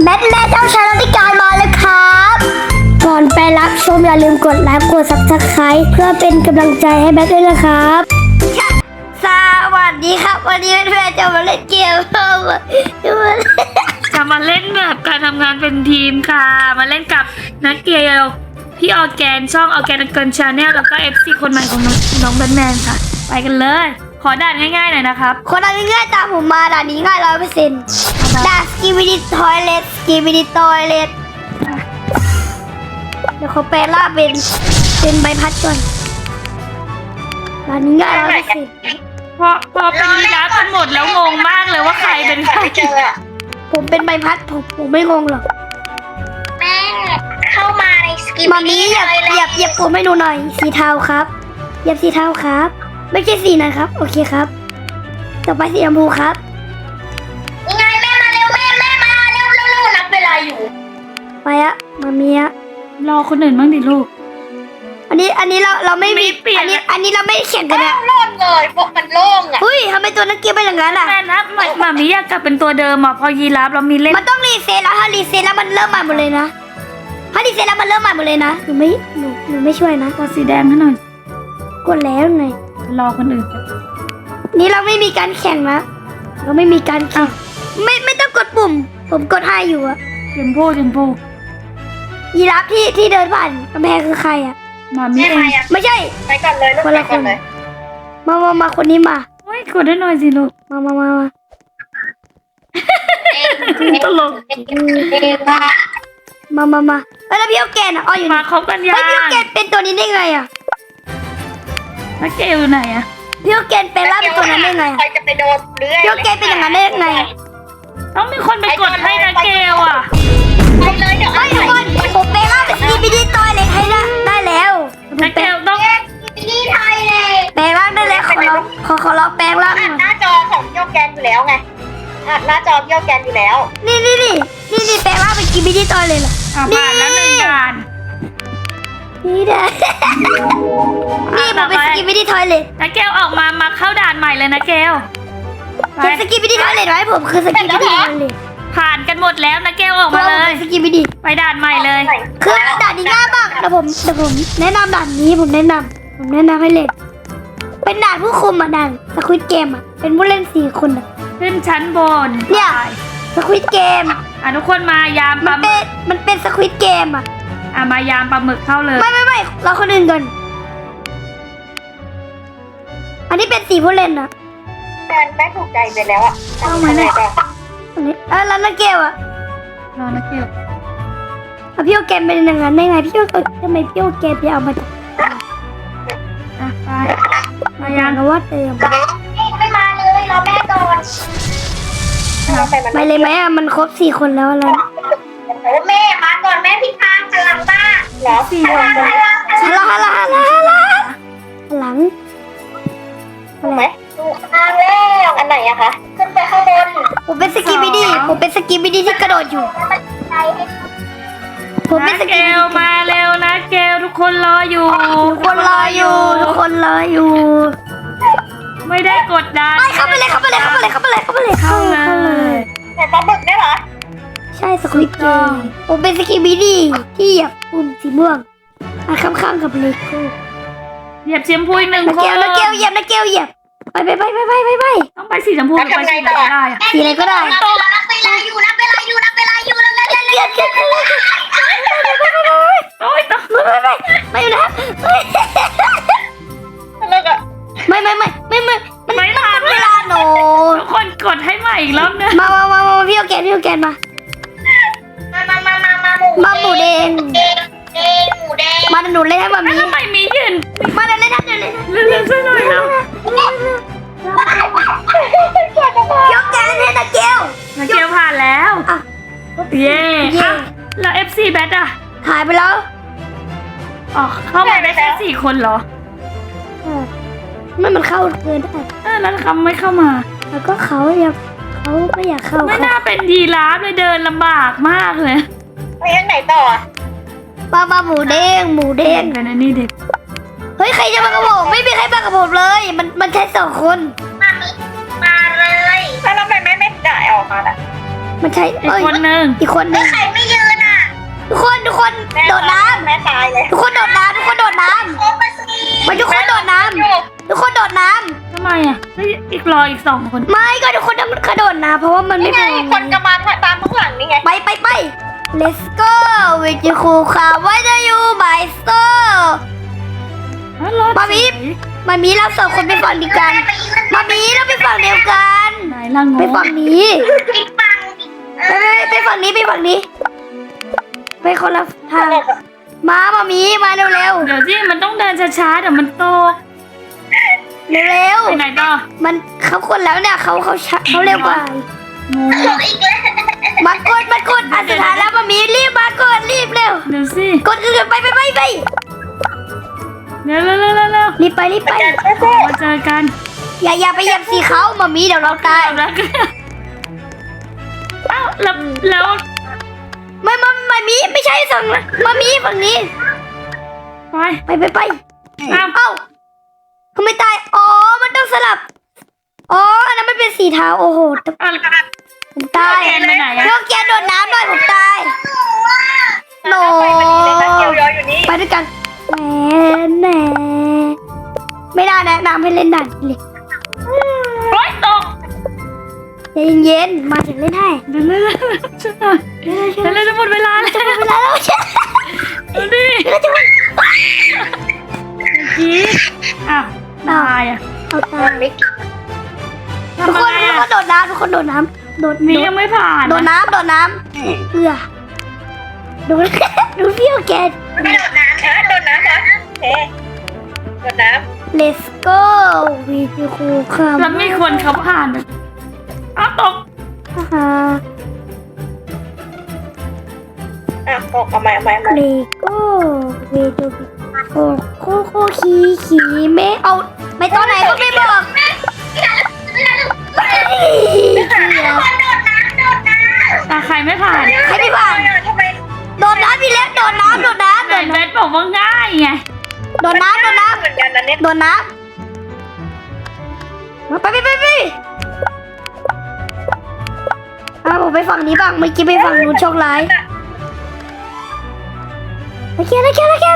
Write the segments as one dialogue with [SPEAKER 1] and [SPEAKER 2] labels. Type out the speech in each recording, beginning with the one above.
[SPEAKER 1] แบทแม่เจ้าชายรัติการมาแล้วครับก่อนไปรับชมอย่าลืมกดไลค์กดซับสไครต์เพื่อเป็นกำลังใจให้แบทด้วยนะครับสวัสดีครับวันนี้เพื่อนๆจะมาเล่นเกม
[SPEAKER 2] จะมาเล่นแบบการทำงานเป็นทีมค่ะมาเล่นกับนักเกลพี่ออร์แกนช่องออร์แกนเกินชาแนลแล้วก็ FC คนใหม่ของน้องแบทแมนค่ะไปกันเลยขอด่านง่ายๆหน่อยนะครับ
[SPEAKER 1] คนด่านง่ายๆตามผมมาด่านนี้ง่าย100%ด่านสกีบิดิทอยเลทสกีบิดิทอยเลทเดี๋ยวเขาแปลล่าเป็นใบพัดก่อนด่านนี้ง่าย100%
[SPEAKER 2] พอเป็นยีราฟกันหมดแล้วงงมากเลยว่าใครเป็นใคร
[SPEAKER 1] ผมเป็นใบพัดผมไม่งงหรอก
[SPEAKER 3] แม่เข้ามาในสกิป
[SPEAKER 1] มามีเหยียบผมให้ดูหน่อยสีเทาครับเหยียบสีเทาครับไม่ใช่สีนะครับโอเคครับต่อไปสีชมพูครับ
[SPEAKER 3] ยังไงแม่มาเร็วแม่มาเร็วนับเวลาอยู่
[SPEAKER 1] ไปอะมามีอะ
[SPEAKER 2] รอคนอื่นบ้างดิลูก
[SPEAKER 1] อันนี้เราไม่มีอันนี้เราไม่แข่งกันนะ
[SPEAKER 3] โล่งเลยพวกมันโล่งอ่ะ
[SPEAKER 1] เฮ้ยทำไมตัวนักเกียร์เป็นอย่างนั้นอ่ะ
[SPEAKER 2] แม่นะหมามีอยากกลับเป็นตัวเดิมอ่ะพอยีราฟเรามีเล่น
[SPEAKER 1] มันต้องรีเซ็ตแล้วถ้ารีเซ็ตแล้วมันเริ่มใหม่หมดเลยนะถ้ารีเซ็ตแล้วมันเริ่มใหม่หมดเลยนะหนูไม่ช่วยนะ
[SPEAKER 2] กดสีแดงให้หน่อย
[SPEAKER 1] กดแล้วไง
[SPEAKER 2] รอคนอื่น
[SPEAKER 1] นี่เราไม่มีการแข่งนะเราไม่มีการแข่งไม่ต้องกดปุ่มผมกดให้อยู่อะ
[SPEAKER 2] เจมโพ
[SPEAKER 1] ยีราฟที่เดินผ่านกำแพงคือใครอะ
[SPEAKER 2] มามีเอง
[SPEAKER 1] ไม่ใช่
[SPEAKER 3] ไปก่อนเลย
[SPEAKER 1] คนละคนมาคนนี้มา
[SPEAKER 2] เฮ้ยกดได้หน่อยสิลูก
[SPEAKER 1] มา
[SPEAKER 2] ตลก
[SPEAKER 1] มาแล้วพี่โอแกนอ๋ออยู่
[SPEAKER 2] มาครบกันยัง
[SPEAKER 1] พี่โอแกนเป็นตัวนี้ได้ไงอะ
[SPEAKER 2] นักเกลไหนอะ
[SPEAKER 1] พี่โอแกนเป็นล่าเป็นตัวนั้นได้ไง
[SPEAKER 3] ใครจะไปโดนเรื่อย
[SPEAKER 1] พี่โอแกนเป็นอย่างนั้นได้ไง
[SPEAKER 2] ต้องมีคนไปกดให้นักเกลอะ
[SPEAKER 3] ไปเลยเดี๋ยว
[SPEAKER 1] ไม่ทุกคนผมเป็นล่าเป็นสกีบิดี้ตัวเล็กให้ละได้แล้ว
[SPEAKER 2] นักเกลต้อง
[SPEAKER 3] นี่ไทยเลย
[SPEAKER 1] แปลงร่างได้แล้วขอเราแปลงร่าง
[SPEAKER 3] หน้าจอของโยแกนอยู่แล้วไงหน้าจอโยแกนอยู่แล้ว
[SPEAKER 1] นี่แปลงร่างเป็นสกีบิดี้ตัวเลยเหรอ
[SPEAKER 2] ผ่านแล้ว1ด่าน
[SPEAKER 1] นี่ได้นี่ผมเป็นสกีบิดี้ทอยเลท
[SPEAKER 2] นักเกลออกมาเข้าด่านใหม่เลยนะเกล
[SPEAKER 1] เป็นสกีบิดี้ทอยเลทไว้ผมคือสกีบิดี้ทอยเลท
[SPEAKER 2] ผ่านกันหมดแล้วนะเกลออกมาเลย
[SPEAKER 1] สกีบิดี้
[SPEAKER 2] ไปด่านใหม่เลย
[SPEAKER 1] คือด่านนี้ง่ายมากแต่ผมแนะนำด่านนี้ผมแนะนำให้เล่นเป็นด่านผู้คุมอ่ะด่านสควิดเกมอ่ะเป็นผู้เล่น4 คนอ่ะ
[SPEAKER 2] ขึ้นชั้นบน
[SPEAKER 1] เนี่ยสควิดเกม
[SPEAKER 2] ทุกคนมายามปลาหมึก
[SPEAKER 1] มันเป็นสควิดเกมอ่ะ
[SPEAKER 2] มายามปลาหมึกเข้าเลย
[SPEAKER 1] ไม่เราคนอื่นก่อนอันนี้เป็น4 ผู้เล่นอ่ะ
[SPEAKER 3] แม่ถูกใจไปแล้วอ่ะ
[SPEAKER 2] เข้ามาเลย
[SPEAKER 1] อันนี้แล้วนักเกลอ่ะ
[SPEAKER 2] รอนักเกล
[SPEAKER 1] พี่โอแกนเป็นอย่างนั้นได้ไงพี่โอทำไมพี่โอแกนไปเอามา
[SPEAKER 2] ไปมายาม
[SPEAKER 1] ก็ว่าเติม
[SPEAKER 3] ไม่มาเลยรอแม่ก่อน
[SPEAKER 1] ไปเลยไหมอ่ะมันครบ4 คนแล้วอะไร
[SPEAKER 3] โอ้แม่มาก่อนแม่พิธาพลังบ้า
[SPEAKER 2] เหรอ4 คน
[SPEAKER 1] หลัง
[SPEAKER 3] อะไรถูกทางแล้วอันไหนอะคะขึ้นไปข้างบน
[SPEAKER 1] ผมเป็นสกีบิดี้ที่กระโดดอยู่ผมเป็นสกีบิดี้
[SPEAKER 2] มาเร็วนะเกลทุกคนรออยู่
[SPEAKER 1] ทุกคนรออยู่
[SPEAKER 2] ไม่ได้กดดัน
[SPEAKER 1] เข้าไปเลย
[SPEAKER 3] แต่ปลาหมึกได้เหรอ
[SPEAKER 1] ใช่สควิดเกมผมเป็นสกีบิดี้ที่เหยียบปุ่มสีม่วงข้างกับเลโก้
[SPEAKER 2] เหยียบชมพู1 คน
[SPEAKER 1] นักเกลเหยียบไป
[SPEAKER 2] ต้องไปสีชมพูไปสีอะไรก็ได้
[SPEAKER 1] สีอะไรก็ได้
[SPEAKER 3] นับเวลาอยู่
[SPEAKER 2] โอ๊ยต้อง
[SPEAKER 1] ไม่อยู่นะไม่ทันเวลาหนู
[SPEAKER 2] ทุกคนกดให้ใหม่อีกรอบนึง
[SPEAKER 1] มาพี่โอแกนมาหมูแดงมาหนูเล่นให้มามี
[SPEAKER 2] ทำไมมียืน
[SPEAKER 1] มาเล่น
[SPEAKER 2] เล่นซะหน่อยแล้ว
[SPEAKER 1] พี่โอแกนให้นักเกล
[SPEAKER 2] ผ่านแล้วเย่แล้ว FC แบทอะ
[SPEAKER 1] หายไปแล้ว
[SPEAKER 2] เข้ามาได้แค่4 คนเหรอ
[SPEAKER 1] มันเข้าเกินได้
[SPEAKER 2] แล้วเขาไม่เข้ามา
[SPEAKER 1] แล้วก็เขาก็อยากเข้า
[SPEAKER 2] ไม่น่าเป็นยีราฟเลยเดินลำบากมากเลย
[SPEAKER 3] ไปยังไหนต่อ
[SPEAKER 1] มาหมูเด้ง
[SPEAKER 2] กันนะนี่เด็ก
[SPEAKER 1] เฮ้ยใครจะมากับผมไม่มีใครมากับผมเลยมันแค่2 คน
[SPEAKER 3] มาเลยแล้วทำไมไม่ได้ออกมาล่ะ
[SPEAKER 1] มันใช่
[SPEAKER 2] อีกคนนึง
[SPEAKER 1] อีกคนนึง
[SPEAKER 3] ใครไม่ยืนอ่ะ
[SPEAKER 1] ทุกคนโดดน้
[SPEAKER 3] แม่ตายเลย
[SPEAKER 1] ำทุกคนโดดน้ำทุกคนโดดน้
[SPEAKER 3] โอ้มาสิ
[SPEAKER 1] ำมาทุกคนโดดน้ำทุกคนโดดน้
[SPEAKER 2] ทำไมอ่ะเฮ้ยอีกรออีก2 คน
[SPEAKER 1] ำไม่ก็ทุกคนต้องกระโดดน้ำเพราะว่ามัน
[SPEAKER 3] นี่
[SPEAKER 1] ไม่
[SPEAKER 3] ไง
[SPEAKER 1] พอ
[SPEAKER 3] คนกำลังตามข้างหลังนี่ไง
[SPEAKER 1] ไป let's go with you ครูค่ะ why do you my soul
[SPEAKER 2] อ๋อรอ
[SPEAKER 1] มามี มามีเราสองคนไปฝั่งเดียวกันมามีเราไปฝั่งเดียวกัน
[SPEAKER 2] ไหนล่ะง
[SPEAKER 1] ไป
[SPEAKER 2] ง
[SPEAKER 1] ฝั่งนี้
[SPEAKER 3] ปิดบัง
[SPEAKER 1] ไปฝั่งนี้ไปคนละทางมามีมาเร็ว
[SPEAKER 2] เดี๋ยวสิมันต้องเดินช้าๆเดี๋ยวมันตก
[SPEAKER 1] ๆเร็ว
[SPEAKER 2] ไปไหนต่อ
[SPEAKER 1] ๆมันเขาคนแล้วเนี่ยเขาเร็วกว่า
[SPEAKER 2] งง
[SPEAKER 3] จบอีกแล้ว
[SPEAKER 1] มากดอันสุดท้ายแล้วมามีรีบมากดรีบเร็ว
[SPEAKER 2] เดี๋ยวสิ
[SPEAKER 1] กดอื่นไป
[SPEAKER 2] เร็ว
[SPEAKER 1] รีบไป
[SPEAKER 2] มาเจอกัน
[SPEAKER 1] อย่าไปเหยียบสีเขามามีเดี๋ยวเราตาย
[SPEAKER 2] แล้วก็เอ้าแล้ว
[SPEAKER 1] มามีไม่ใช่ฝั่งนั้นมามีฝั่งนี้
[SPEAKER 2] ไป
[SPEAKER 1] ไป
[SPEAKER 2] อ้าว
[SPEAKER 1] เอ้าเขาไม่ตายอ๋อมันต้องสลับอ๋ออันนั้นมันเป็นสีเทาโอ้โห
[SPEAKER 2] อ่ะ
[SPEAKER 1] ผมตาย
[SPEAKER 2] แกนไปไหนอะ
[SPEAKER 1] เรื่องแกนโดดน้ำหน่อยผมตายโน
[SPEAKER 3] ไปพอดีเลยนะเกียวยออยู่นี่
[SPEAKER 1] ไปด้วยกันแหมไม่ได้นะน้ำให้เล่นด่านเลย
[SPEAKER 2] โอ๊ยตก
[SPEAKER 1] ใจเย็นๆมาถึงเล่นให้
[SPEAKER 2] เดี๋ยวช่วยหน่อยเดี๋ยวจะหมดเวลาแล้ว
[SPEAKER 1] เวลาแล้วใช่
[SPEAKER 2] ดูดิ
[SPEAKER 1] เราจะมา
[SPEAKER 2] กี้อ้าวตายอ่ะ
[SPEAKER 1] เอาตา
[SPEAKER 3] มันไม่กิน
[SPEAKER 1] ทุก
[SPEAKER 2] ทำ
[SPEAKER 1] ค
[SPEAKER 2] ไม
[SPEAKER 1] น
[SPEAKER 2] อ่ะ
[SPEAKER 1] โดดน้ำทุกคนโดดน้ำโดด
[SPEAKER 2] มียังไม่ผ่าน
[SPEAKER 1] โดดน้ำเอื้อดูดูพี่โอแกน
[SPEAKER 3] มันไม่โดดน้ำนะโดดน้ำนะโอเคโดดน้
[SPEAKER 1] Let's go วีดีคูค่ะ
[SPEAKER 2] แล้วมีคนเขาผ่านอะอ้าวตก
[SPEAKER 1] ฮ่า
[SPEAKER 3] ำอ่ะตกเอาใหม่
[SPEAKER 1] เลโก้วีดีโคขี่ไม่เอาไม่ตอนไหนก็ไม่บอก
[SPEAKER 3] ไม่ผ่านทุกคนโดดน้ำ
[SPEAKER 2] ตาใครไม่ผ่าน
[SPEAKER 1] ใครไม่ผ่าน
[SPEAKER 3] ทำไม
[SPEAKER 1] โดดน้ำพี่เล็กโดดน้ำ
[SPEAKER 2] ไหนเบสบอกว่าง่ายไง
[SPEAKER 1] โดดน้ำ
[SPEAKER 3] เหมือนกันนะเนี่ย
[SPEAKER 1] โดดน้ำมาไปผมไปฝั่งนี้บ้างเมื่อกี้ไปฝั่งนู้นโชคร้ายโอเคฝั่งนี้โอเค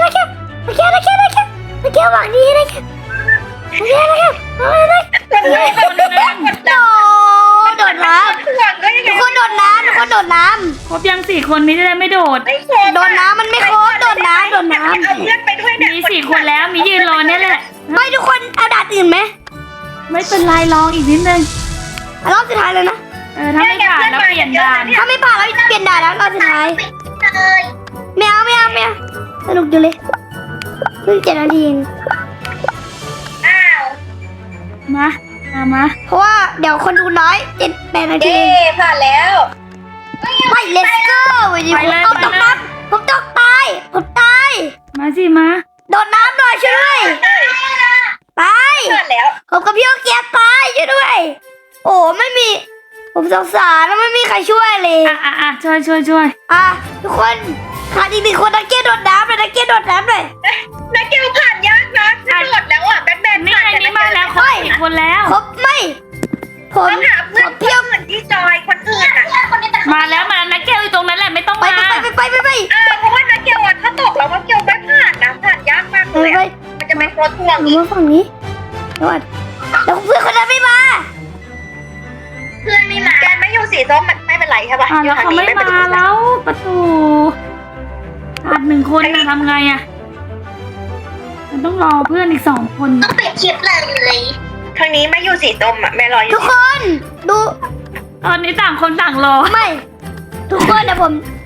[SPEAKER 3] คนนึง
[SPEAKER 1] โดดน้ำ
[SPEAKER 3] ห่วงก็ยังไง
[SPEAKER 1] ทุกคนโดดน้ำ
[SPEAKER 2] ครบยัง4 คนนี้จะได้ไม่โดด
[SPEAKER 3] ไม่โค
[SPEAKER 1] โดดน้ำมันไม่ครบโดดน้ำ
[SPEAKER 3] เอาเพื่อนไปด้วยเนี่ย
[SPEAKER 2] มี4 คนแล้วมียืนรอเนี่ยแหละ
[SPEAKER 1] ไม่ทุกคนเอาด่านอื่นไหม
[SPEAKER 2] ไม่เป็นไรลองอีกนิดนึง
[SPEAKER 1] รอบสุดท้ายเลยนะ
[SPEAKER 2] ถ้าไม่ผ่านแล้วเปลี่ยนด่าน
[SPEAKER 1] ถ้าไม่ผ่านเราเปลี่ยนด่านแล้วรอบสุดท้าย
[SPEAKER 3] เลย
[SPEAKER 1] ไม่เอาสนุกอยู่เลยเพิ่ง7 นาทีเอง
[SPEAKER 3] อ้าว
[SPEAKER 2] มา
[SPEAKER 1] เพราะว่าเดี๋ยวคนดูน้อย7-8 นาที
[SPEAKER 3] เย้ผ่านแล้ว
[SPEAKER 1] ไป let's go เอาตกน้ำผมตกตาย
[SPEAKER 2] มาสิมา
[SPEAKER 1] โดดน้ำหน่อยช่วยด้วยไป
[SPEAKER 3] ผ่านแล้ว
[SPEAKER 1] ผมกับพี่โอเกียตายช่วยด้วยโอ้ไม่มีผมสงสารแล้วไม่มีใครช่วยเลย
[SPEAKER 2] ช่วย
[SPEAKER 1] ทุกคนขาดอีก1 คนนักเกียโดดน้ำเลยนักเกียโดดน้ำเลย
[SPEAKER 3] นักเกียวผ่านยากนะกระโดดแล้วอ่ะแบทแมน
[SPEAKER 2] นี่ไงนี่มาแล้วครบ4 คนแล้ว
[SPEAKER 1] ครบไม่ผม
[SPEAKER 3] ต้องหาเพื่อนเที่ยวเหมือนที่จอยคนอื่นอ่ะ
[SPEAKER 2] มาแล้วนักแก้วอยู่ตรงนั้นแหละไม่ต้อง
[SPEAKER 1] ไป
[SPEAKER 2] มา
[SPEAKER 1] ไป
[SPEAKER 3] เพราะว่านักเกียวอ่ะถ้าตกแล้วนักเกียวไม่ผ่านนะผ่านยากมากเลยมันจะเป็นโคตรห่วง
[SPEAKER 1] หนูมาฝั่งนี้เดี๋ยวก่อนแล้วเพื่อนคนนั้นไม่มา
[SPEAKER 3] เพื่อนไม่มาแกไม่อยู่สีส้มมันไม่เป็นไรใช่ป่ะ
[SPEAKER 2] แล้วเขาไม่มาแล้วประตูขาด1 คนนะทำไงอ่ะมันต้องรอเพื่อนอีก2 คน
[SPEAKER 3] ต้องปิดคลิปเลยทางนี้ไม่อยู่สีส้มอ่ะแม่รออยู่
[SPEAKER 1] ทุกคนดู
[SPEAKER 2] ตอนนี้ต่างคนต่างรอ
[SPEAKER 1] ไม่ ทุกคนเดี๋ยว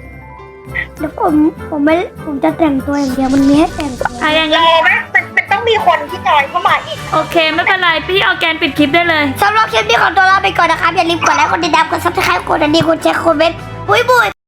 [SPEAKER 1] ผมจะแต่งตัวอย่างเดียวมันมีให้แต่งตัว
[SPEAKER 2] อย่าง
[SPEAKER 3] ร
[SPEAKER 2] นี้
[SPEAKER 3] อไหมมันต้องมีคนที่จอยเข้ามาอีก
[SPEAKER 2] โอเคไม่เป็นไรพี่เอาแกนปิดคลิปได้เลย
[SPEAKER 1] สำหรับคลิปนี้ขอตัวลาไปก่อนนะครับอย่าลืมกดไลค์กดติดตามกดซับสไครต์กดกระดิ่งกดแชร์คอมเมนต์บุย